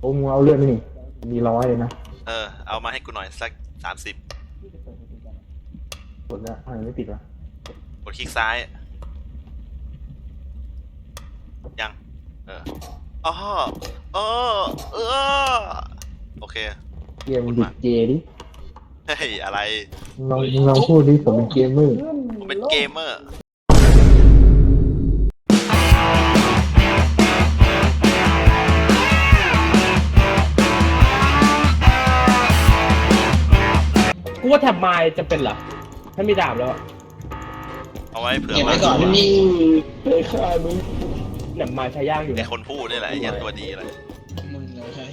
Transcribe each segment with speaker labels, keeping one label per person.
Speaker 1: โอ้มึงเอาเลือดไหมนี่มี100เลยนะ
Speaker 2: เอามาให้กูหน่อยสัก30
Speaker 1: กดแล้วทำไมไม่ติดวะ
Speaker 2: กดคลิกซ้ายยังอ๋อเอโอเค
Speaker 1: เกมดิเจดิ
Speaker 2: เฮ้ยอะไร
Speaker 1: ลองพูดดิผมเป็นเกมเมอร์
Speaker 2: ผมเป็นเกมเมอร์
Speaker 3: กูว่าแท็บไมล์จะเป็นเหรอถ้ามีดาบแล้ว
Speaker 2: เอาไว้เผื่อ
Speaker 4: เก็บไว้ก่อนนี่
Speaker 1: เลยฆ่ามึง
Speaker 3: แท็บไมล์ใช้ย่างอยู่
Speaker 2: ไอคนพูดนี่แหละไอ้ยันตัวดีอะไร
Speaker 4: มึงเลย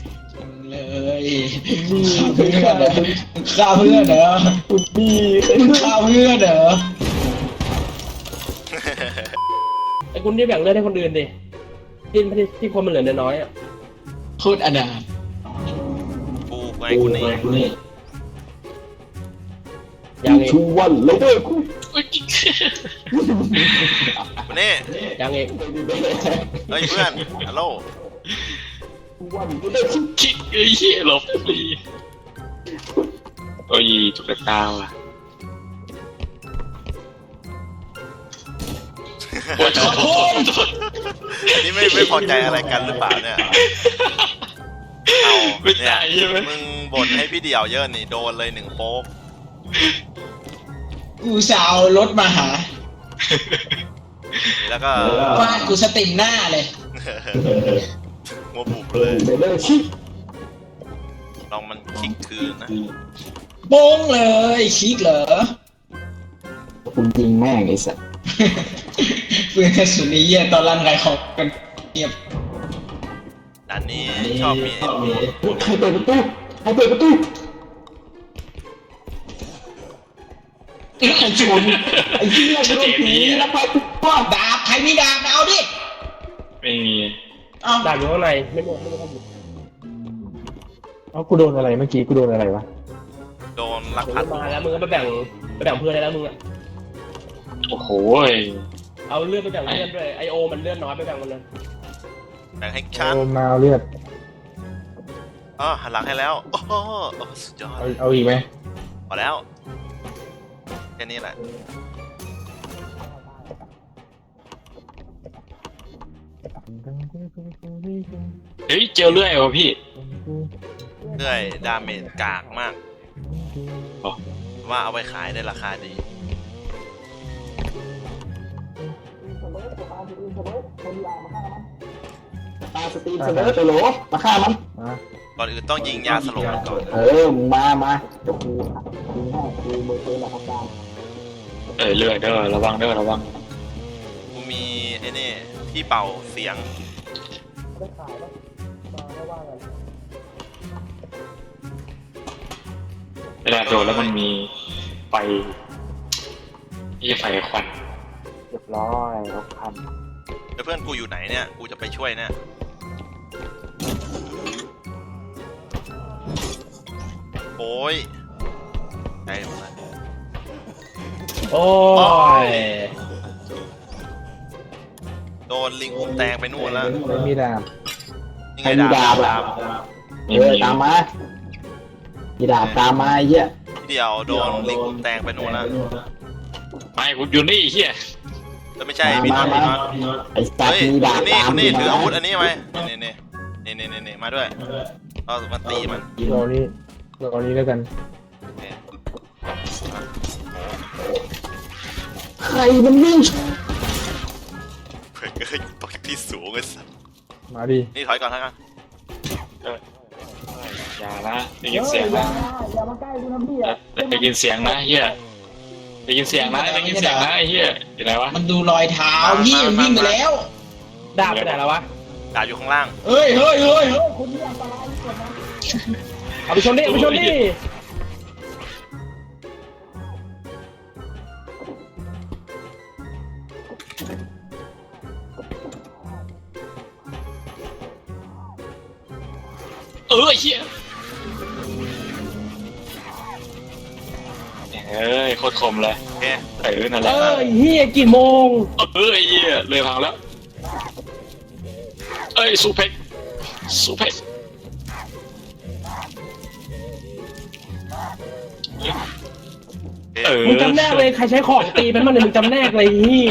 Speaker 4: ฆ่าเพื่อนเหรอคุณดีฆ่าเพื่อนเหรอ
Speaker 3: ไอ้คุณที่แบ่งเลือดให้คนอื่นดิที่คนมันเหลือน้อยอ่ะ
Speaker 4: โคตรอนาถ
Speaker 2: กูไงกูนี่
Speaker 3: ยังเอง
Speaker 1: ชูวันเลยเด้อคุณ
Speaker 2: นี่
Speaker 3: ยังเอง
Speaker 2: เฮ้ยเพื่อนฮัลโหล
Speaker 5: คิกไอ้เหี้ยหลบดีโอ้ยจุกตาว่ะโอ้ยโทษ
Speaker 2: อันนี้ไม่พอใจอะไรกันหรือเปล่าเนี่ยเอาเนี่ยมึงบ่นให้พี่เดี่ยวเยอะนี่โดนเลย1โป๊ก
Speaker 4: กูสาวรถมาหา
Speaker 2: แล้วก็
Speaker 4: ฟาดกูสติมหน้าเลย
Speaker 2: หัวบุบเลยลองมันคลิกคืนนะ
Speaker 4: โป้งเลยคลิกเหรอ
Speaker 1: คุณจริงแม่งไอ้สัส
Speaker 4: เพื่อนกระสุนนี้เยี่ยตอนรันไรของกันเงียบ
Speaker 2: ด่านนี้ชอบมี
Speaker 1: ใครเปิดประตูใครเปิดประตูไอ้ชนไอ้เหี้ยโดนผีแล้วไปปุ๊บป้า
Speaker 4: ดาบใครมีดาบเอาดิ
Speaker 5: ไม่มี
Speaker 3: ดาบอยู่ข้างในไม่หมดครับ
Speaker 1: กูโดนอะไรเมื่อกี้กูโดนอะไรวะ
Speaker 2: โดนลักพาตัว
Speaker 3: มาแล้วมึงก็ไปแบ่งเพื่อนได้แล้วมึงอ่ะ
Speaker 5: โอ้โห
Speaker 3: เอาเลือดไปแบ่งเพื่อนด้วยไอโอมันเลือดน้อยไปแบ่งมันเลย
Speaker 2: แบ่งให้ฉัน
Speaker 1: โอมาเลือด
Speaker 2: หันหลังให้แล้วโอ้โหสุดยอด
Speaker 1: เอาอีกไหม
Speaker 2: พอแล้วแค่นี้แหละ
Speaker 5: เฮ้ยเจอเลื่อยวะพี่
Speaker 2: เลื่อยดาเมจกากมากว่าเอาไปขายได้ราคาดี
Speaker 1: ตาสตรีมเสนอตัวโหลมาฆ่ามัน
Speaker 2: ก่อนอื่นต้องยิงยาสลบมันก่อน
Speaker 1: มาเดี๋ยวกูยิงให้กูมือปืนหลักการ
Speaker 5: เลื่อยเด้อระวัง
Speaker 2: กูมีไอ้นี่ที่เป่าเสียง
Speaker 5: เวลาโดนแล้วมันมีไฟไฟควัน
Speaker 1: เรียบร้อยรถคัน
Speaker 2: แล้วเพื่อนกูอยู่ไหนเนี่ยกูจะไปช่วยเนี่ยโอ้ยได้หมดแล้ว
Speaker 3: โอ้ย
Speaker 2: โดนลิงอุ้มแตงไปนู่นแล้ว
Speaker 1: ไม่มีดาบ
Speaker 2: ยังไงดาบ
Speaker 1: ตามมามีดาบตามมาเยอะ
Speaker 2: เดี๋ยวโดนลิงอุ้มแตงไปนู่นแล้ว
Speaker 5: ไม่กูอยู่นี่เฮีย
Speaker 2: แล้วไม่ใช่พี่น็อต
Speaker 1: ไอ้สัตว์มีดาบตาม
Speaker 2: นี่ถืออาวุธอันนี้ไหมนี่มาด้วยเอามาตีมัน
Speaker 1: รอนี้แล้วกันใครมันวิ่ง
Speaker 2: เพื่อนก็อยู่ตรงที่สูงไอ้สัส
Speaker 1: มาดิ
Speaker 2: นี่ถอยก่อนนะ
Speaker 5: อย่านะได้ยินเสียงนะ
Speaker 1: อย่ามาใกล้กูนะพี่
Speaker 5: ได้ยินเสียงนะเฮียได้ยินเสียงนะไอ้เฮียอยู่ไหนวะ
Speaker 4: มันดูรอยเท้าพี่มันวิ่งไปแล้ว
Speaker 3: ดาบไปไหนแล้ววะ
Speaker 2: ดาบอยู่ข้างล่าง
Speaker 4: เฮ้ย
Speaker 1: คุณนี่อันตรายที่สุดนะ
Speaker 3: เอาไปชนดิ
Speaker 5: เฮียโคตรคมเลยนั่นแหละ
Speaker 3: เฮียกี่โมง
Speaker 5: เฮียเลยพังแล้วซูเพ็ก
Speaker 3: มึงจำแนกเลยใครใช้ของตีมันเนี่ยมึงจำแนกเลยเฮีย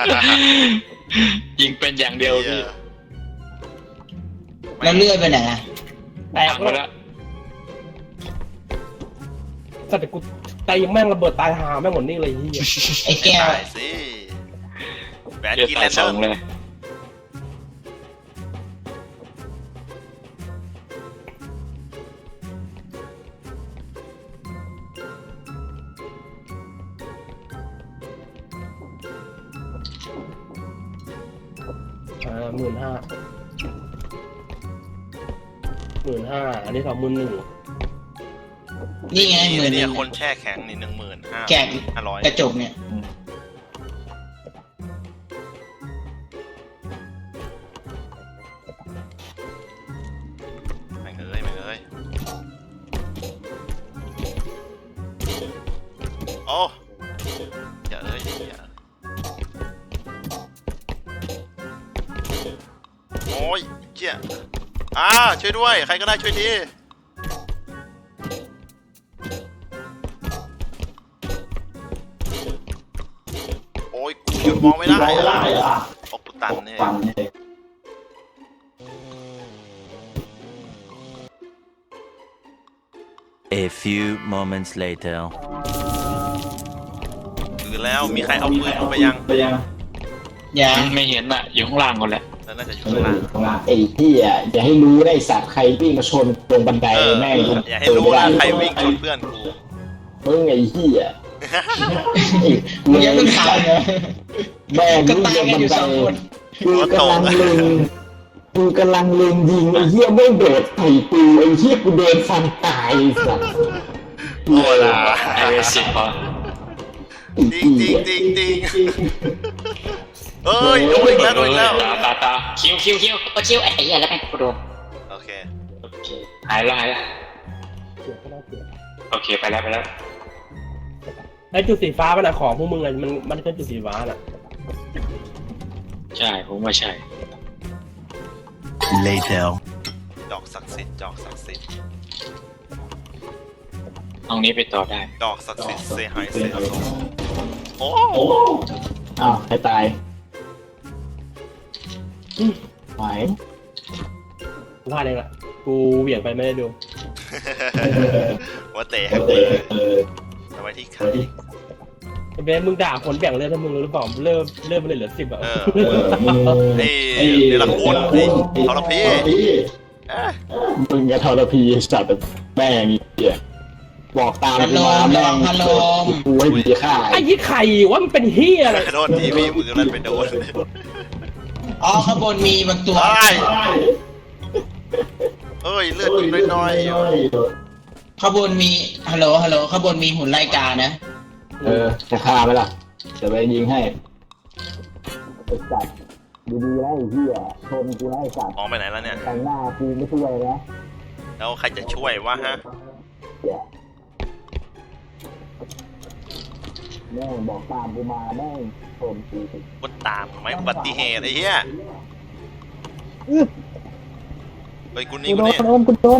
Speaker 5: ยิงเป็นอย่างเดียวพี่
Speaker 4: แล้วเลื่อยไปไหนอะ
Speaker 3: แตก
Speaker 5: พังไป
Speaker 3: แล้ว
Speaker 5: แล้ว
Speaker 3: สัตว์กูตีแม่งระเบิดตายหาแม่งหมดนี่เลยเฮีย
Speaker 4: ไอ้แก้ว
Speaker 2: ได้สิแหวน
Speaker 5: เดือด
Speaker 2: กิน
Speaker 5: ตา
Speaker 2: แล
Speaker 5: ย
Speaker 2: น
Speaker 5: ส
Speaker 2: เด
Speaker 5: อ
Speaker 2: อง ร์
Speaker 5: เลย
Speaker 3: 15,000 15,000อันนี้21,000
Speaker 4: นี่ไงเหมือน
Speaker 2: เนี่ยคนแช่แข็งนี่15,500
Speaker 4: แกะกระจกเนี่ย
Speaker 2: แม่งเอ้ยแม่งเอ้ยโอ้อย่าเอ้ยอย่าโอ้ยเจี๊ยช่วยด้วยใครก็ได้ช่วยทีโอ้ยกูหยุดมองไม่ได้ออกกูตันเนี่ย
Speaker 6: A few moments later.
Speaker 2: คือแล้วมีใครเอาปืนลงไปยัง
Speaker 4: อย่า
Speaker 5: ไม่เห็นอ่ะอยู่ข้างล่างก่อนแหละ
Speaker 2: แล้วน่าจะอยู่ข้างล่าง
Speaker 1: ไอ้เหี้ยอย่าให้รู้นะไอ้สัตว์ใครวิ่งมาชนตรงบันไดแม่ง
Speaker 2: อย่าให้รู้นะใครวิ่งชนเพื่อนกู
Speaker 1: มึงไอ้เหี้ย
Speaker 4: มึงยังไม่ข่าวเนอะ
Speaker 1: แม่ง
Speaker 4: ก็
Speaker 1: วิ่ง
Speaker 4: ตาย
Speaker 1: ลง
Speaker 4: กัน
Speaker 1: บั
Speaker 4: อนยู่
Speaker 1: ได
Speaker 4: 2 คน
Speaker 1: กูกำลังเล็งยิงไอ้เหี้ยไม่โดดใส่กูไอ้เหี้ยกูโดนฟันตายไอ้สัตว์
Speaker 2: โอ้ล่ะ
Speaker 5: ไอเวสิพอ
Speaker 2: จริงจริงจริงจริงเอ้ยโดนอีกแล้วโดนอีกแล้ว
Speaker 5: ตาคิวไอ้เหี้ยแล้วแม่งกูโดน
Speaker 2: โอเค
Speaker 5: หายแล้ว
Speaker 3: เสียก็น่าเสีย
Speaker 5: โอเคไปแล้ว
Speaker 3: ไอ้จุดสีฟ้ามันอะของพวกมึงอะมันเป็นจุดสีฟ้าน่ะ
Speaker 5: ใช่ผมว่าใช่
Speaker 6: Later.
Speaker 2: ดอกศักดิ์สิทธิ์ดอกศักดิ์สิทธิ์
Speaker 5: ห้องนี้ไปต่อได้
Speaker 2: ดอกศักดิ์สิทธิ์เซฮายเซโซโอ้
Speaker 1: อ้าวใครตายไหว
Speaker 3: กูพลาดเองละกูเหวี่ยงไปไม่ได้ดู
Speaker 2: ว่าเตะให้กูเลยเอาไว้ที่ขา
Speaker 3: ไอ้เบนมึงด่าคนแบ่งเลือดให้มึงหรือเปล่าเริ่มเลยเหลือ10อ่ะ
Speaker 2: ไอ้เดลคุณไอ้ทรพี
Speaker 1: มึงจะทรพีสัตว์แม่งเหี้ยบอกตาม
Speaker 4: พัดล
Speaker 1: มาม แม่ง
Speaker 4: พัดลม
Speaker 1: กูให้ดีค่า
Speaker 3: ไอ้ยี่ไข่ว่ามันเป็นเฮียอะไร
Speaker 2: โดนทีวีมือนั่นไปโดน
Speaker 4: อ๋อข้างบนมีบางตัว
Speaker 2: ตายเอ้ยเลือดอีกน้อย
Speaker 4: ข้างบนมีฮัลโหลข้างบนมีหุ่นไล่กานะ
Speaker 1: จะฆ่าไหมล่ะจะไปยิงให้ไอ้สัตว์ดีๆแล้วไอ้เหี้ยชนกูแล้วไอ้สัตว์
Speaker 2: มองไปไหนแล้วเนี่ย
Speaker 1: แต่งหน้ากูไม่ช่วยนะ
Speaker 2: แล้วใครจะช่วยวะฮะ
Speaker 1: แม่งบอกตามกูมาแม่งชนกู
Speaker 2: คนตามไหมอุบัติเหตุไอ้เหี้ยเฮ้ยกูนี่
Speaker 1: กู
Speaker 2: กู
Speaker 1: โดน
Speaker 2: นี่
Speaker 1: กูโดน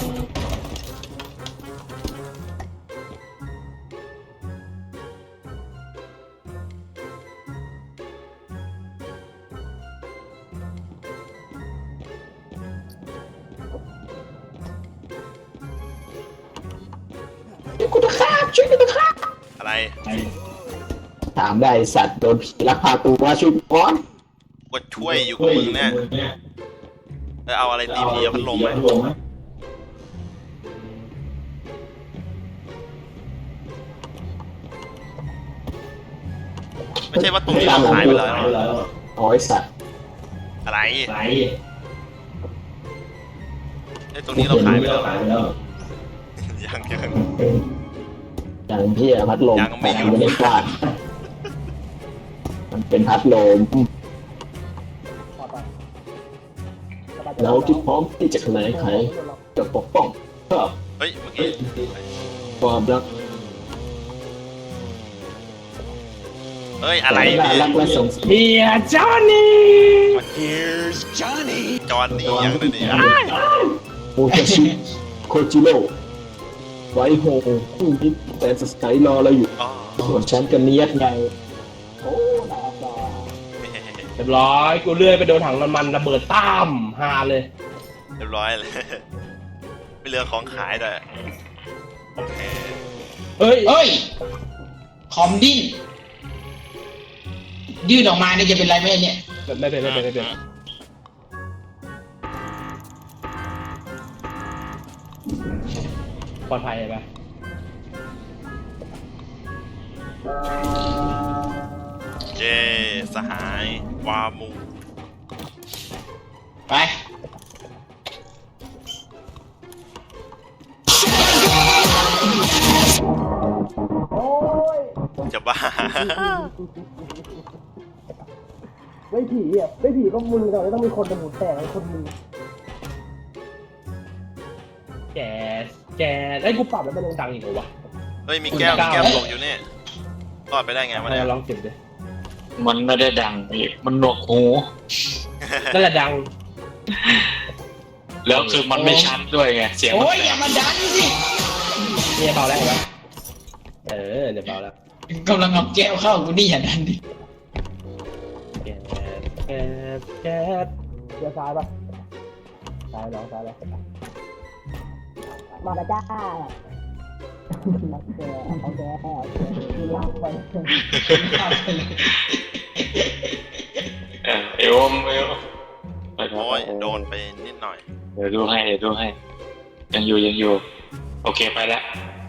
Speaker 1: กูจะฆ่าช่วยกูจะฆ่า
Speaker 2: อะไร
Speaker 1: ถามได้สัตว์โดนผีลักพาตัวช่วยกูก่อน
Speaker 2: กูช่วยอยู่กับมึงเนี่ยเอาอะไรตีพีพัดลมไหมไม่ใช่ว่าตรงนี้เราขายไปแล้ว
Speaker 1: โอ้ยสัตว์
Speaker 2: อะไรไอ้ตรงนี้เราขายไปแล้วยัง
Speaker 1: อย่างพี่พัดลม
Speaker 2: ยังไม่หยุด
Speaker 1: ไม่ได้ฟาดมันเป็นพัดลมเราที่พร้อมที่จะแถลงไขจะปกป้องเพื่อ
Speaker 2: เฮ้ยเมื่อกี้
Speaker 1: ความรัก
Speaker 2: เฮ้ยอะไร
Speaker 1: น่า
Speaker 2: พี่
Speaker 1: รักและสงสาร
Speaker 3: เฮียจอห์นนี่
Speaker 2: จอห์นนี่ยังเลยนี่
Speaker 1: โอเคชิโคจิโร่ไว้โฮคู่นี้แต่สไตล์รอเราอยู่
Speaker 2: อ๋อ
Speaker 1: ส่วนฉันกับเนียดไงโอ้ดาบา
Speaker 3: เรียบร้อยกูเลื่อยไปโดนถังน้ำมันระเบิดต้ามฮาเลย
Speaker 2: เรียบร้อยเลย ไม่เหลือของขายด้วยโอเค
Speaker 3: เฮ้ย
Speaker 4: เฮ้ย คอมดิ้นยื่นออกมาเนี่ยจะเป็นไรไหมเนี่ย
Speaker 3: ไม่เป็นปลอดภัยไหม
Speaker 2: เย้สหายวามู
Speaker 4: ไป
Speaker 2: จะบ้า
Speaker 3: ไม่ผีอ่ะไม่ผีก็มึงแต่ต้องมีคนเป็นหมูแตกไอ้คนมึงแกไอ้กูปรับแล้วมันยังดังอีกเหรอวะ
Speaker 2: เฮ้ยมีแก้วตกอยู่นี่รอดไปได้ไงวะเนี่ย
Speaker 3: ลองเก็บดิ
Speaker 5: มันไม่ได้ดังพี่มันหนวกหู
Speaker 3: นั่นแหละดัง
Speaker 5: แล้วคือมันไม่ชัดด้วยไงเสียงมัน
Speaker 4: โอ้ยอย่ามาดันสิ
Speaker 3: เนี่ยเบาแล้วเห็นปะเดี๋ยวเบาแล้ว
Speaker 4: กำลังเอาแก้วเข้ากูนี่อย่าดันดิ
Speaker 3: แก๊สเดี๋ยวซ้ายปะซ้ายน้องซ้ายแล้วมาแล้วจ้าเอาแก๊คือลากไป
Speaker 5: เอวไป
Speaker 2: โอ้ยโดนไปนิดหน่อย
Speaker 5: เดี๋ยวดูให้ยังอยู่โอเคไปแล้ว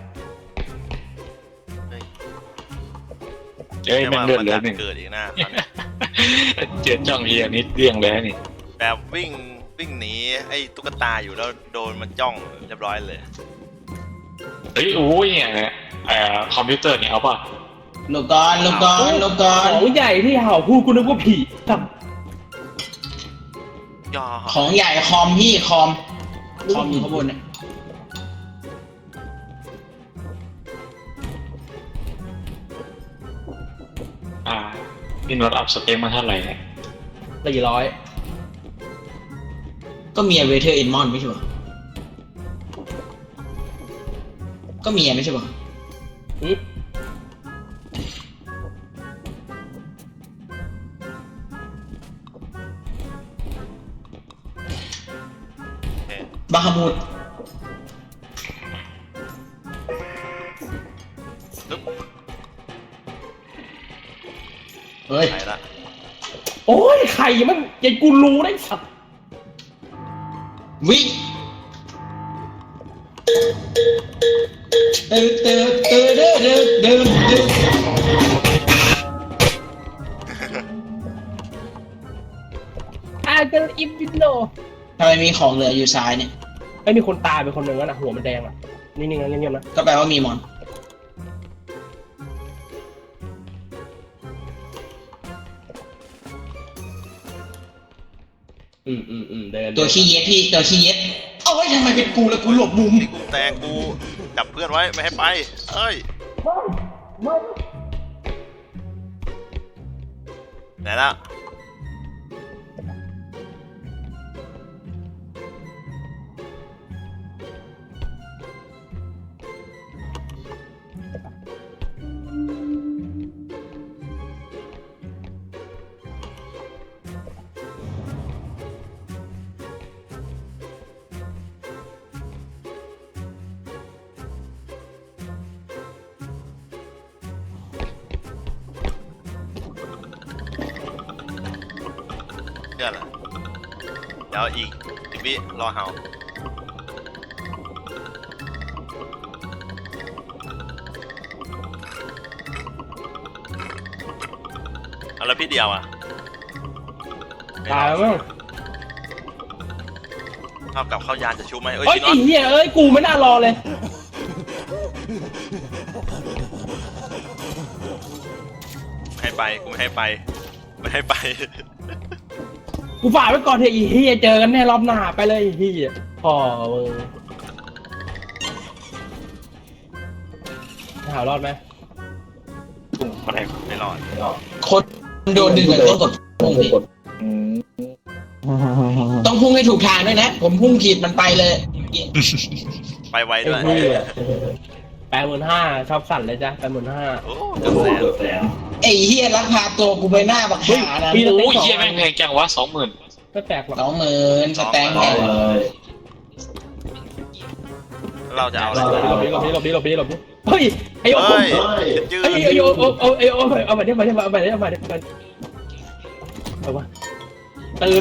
Speaker 2: เฮ้ย
Speaker 5: เอ้ยมันเลือดเหลือ
Speaker 2: จะ
Speaker 5: หนึ่ง
Speaker 2: เกิดอีกนะ
Speaker 5: เจ็ดจ้องเฮียนิดเรียงแล้วนี่
Speaker 2: แบบวิ่งหนีไอ้ตุ๊กตาอยู่แล้วโดนมันจ้องเรียบร้อยเลย
Speaker 5: เฮ้ยโอ้ยเนี่ยคอมพิวเตอร์เนี่ยเอาป่ะ
Speaker 4: ลูกกอน
Speaker 3: ของใหญ่ที่เห่าพูดกูนึกว่าผีครับ
Speaker 2: ย่อ
Speaker 4: ของใหญ่คอมพี่คอมอยู่ข้างบนเนี่ย
Speaker 5: พี่นวดอัพสเปคมาเท่าไหร่เนี่ย
Speaker 3: 400
Speaker 4: ก็เมียเวเทอร์เอ็นมอนไม่ใช่ปะก็เมียไม่ใช่ปะ
Speaker 3: อืม
Speaker 2: โอเค
Speaker 4: บาฮามูด
Speaker 2: ปึ๊บ
Speaker 4: เฮ้ย
Speaker 2: ไปละ
Speaker 3: โอ้ยใครมันยันกูรู้ได้สัตว์
Speaker 4: วิ่งเดิน
Speaker 3: เกิลอิฟวินโด
Speaker 4: ทำไมมีของเหลืออยู่ซ้ายเนี่ย
Speaker 3: ไม่มีคนตายไปคนหนึ่งแล้วนะหัวมันแดงอ่ะนิ่งๆนะเงียบๆนะ
Speaker 4: ก็แปลว่ามีมอน
Speaker 3: เดิน
Speaker 4: ตัวขี้เย็ดพี่ตัวขี้เย็ดโอ้ยทำไมเป็นกูแล้วกูหลบมุม
Speaker 2: นี่กูแตกกูจับเพื่อนไว้ไม่ให้ไปเอ้ยไหนละเชื่อเหรอเดี๋ยวอีก10 วิรอเห่าเอาแล้วพี่เดียวอ่ะ
Speaker 3: ตายแล้วมั้ง
Speaker 2: เท่ากับเข้ายานจะชุบไหมเอ้ย
Speaker 3: โอ้ย
Speaker 2: พี่น็อ
Speaker 3: ไอ้
Speaker 2: ต
Speaker 3: เหี้ยเอ้ยกูไม่น่ารอเลย
Speaker 2: ไม่ให้ไปกูไม่ให้ไปไม่ให้ไป
Speaker 3: กูฝากไว้ก่อนเถอะไอ้เหี้ยเจอกันแน่รอบหน้าไปเลยไอ้เหี้ยพ่อมึงหารอดไหม
Speaker 5: พุ่งอะไร
Speaker 2: ไม่รอด
Speaker 4: คนโดนดึงต้องกดพุ่งพี่ต้องพุ่งให้ถูกทางด้วยนะ ผมพุ่งผิดมันไปเลย
Speaker 2: ไปไวด้วย
Speaker 3: 85,000ชอบสั่นเลยจ้ะ85,000
Speaker 2: โอ้เกือบแสน
Speaker 4: ไอ้เฮียลักพาตัวกูไปหน้าบักขานะ
Speaker 3: เฮ้ย
Speaker 5: โอ้ยเฮียแม่งแพงจังวะ20,000
Speaker 3: ไม่แปลกหรอก
Speaker 4: 20,000สแตงค์เนี่ย
Speaker 2: เราจะเอาอะไร
Speaker 3: หลบดิเฮ้ยไอโอ
Speaker 2: เฮ้ยยื
Speaker 3: ไอ
Speaker 2: น
Speaker 3: โอเอามาดิเอามาตื่น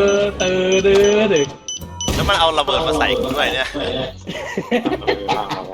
Speaker 2: แล้วมันเอาระเบิดมาใส่กูด้วยเนี่ย
Speaker 5: เอา